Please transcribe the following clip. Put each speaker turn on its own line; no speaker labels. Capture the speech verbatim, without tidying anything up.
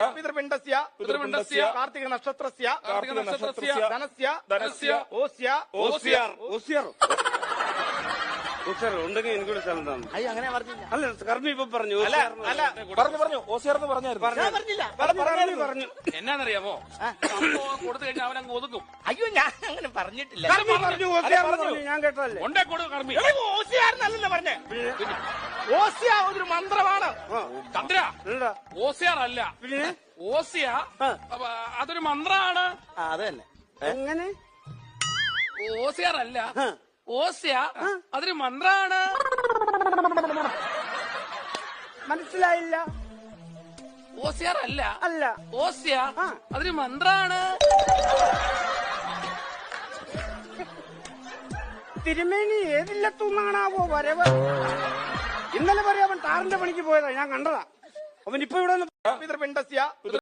പിതൃപിണ്ഡസ്യ
പിതൃപിണ്ഡസ്യ
കാർത്തിക നക്ഷത്രസ്യ
കാർത്തിക നക്ഷത്രസ്യ
ധനസ്യ
ധനസ്യ
ഓസ്യ
ഓസ്യാർ
ഓസിയർ ഓസിയർ ഉണ്ടെങ്കിൽ എനിക്കൊരു സ്ഥലം തന്നെ.
അയ്യോ അങ്ങനെ പറഞ്ഞില്ല.
അല്ല കർമ്മി ഇപ്പൊ പറഞ്ഞു
അല്ല അല്ല
പറഞ്ഞു പറഞ്ഞു ഓസിയാർ എന്ന് പറഞ്ഞായിരുന്നു.
ഞാൻ പറഞ്ഞില്ല.
പറഞ്ഞു പറഞ്ഞു
എന്നാന്നറിയാമോ സംഭവം കൊടുത്തു കഴിഞ്ഞാൽ അവൻ അങ്ങ് ഒതുക്കും.
അയ്യോ ഞാൻ അങ്ങനെ പറഞ്ഞിട്ടില്ല.
കർമ്മി പറഞ്ഞു ഓസിയർ എന്ന് പറഞ്ഞു. ഞാൻ കേട്ടതല്ലേ.
കൊണ്ടേ കൊടു കർമ്മി.
ഓസിയാർന്നല്ല പറഞ്ഞേ. ഓസ്യ ഒരു മന്ത്രമാണ്.
ചന്ദ്ര
എന്താ
ഓസിയാർ അല്ല,
പിന്നെ
ഓസിയ അപ്പൊ അതൊരു മന്ത്രമാണ്.
അത് തന്നെ.
എങ്ങനെ
ഓസിയാർ അല്ല, ഓസ്യ അതൊരു മന്ത്രമാണ്.
മനസ്സിലായില്ല.
ഓസിയാർ അല്ല
അല്ല
ഓസ്യ അതൊരു മന്ത്രമാണ്.
തിരുമേനി ഏതില്ലത്തുന്നാണാവോ വരവ്? ഇന്നലെ വരെ അവൻ താറിന്റെ പണിക്ക് പോയതാ, ഞാൻ കണ്ടതാ. അവൻ ഇപ്പൊ ഇവിടെ
പിതൃപിണ്ഡസ്യ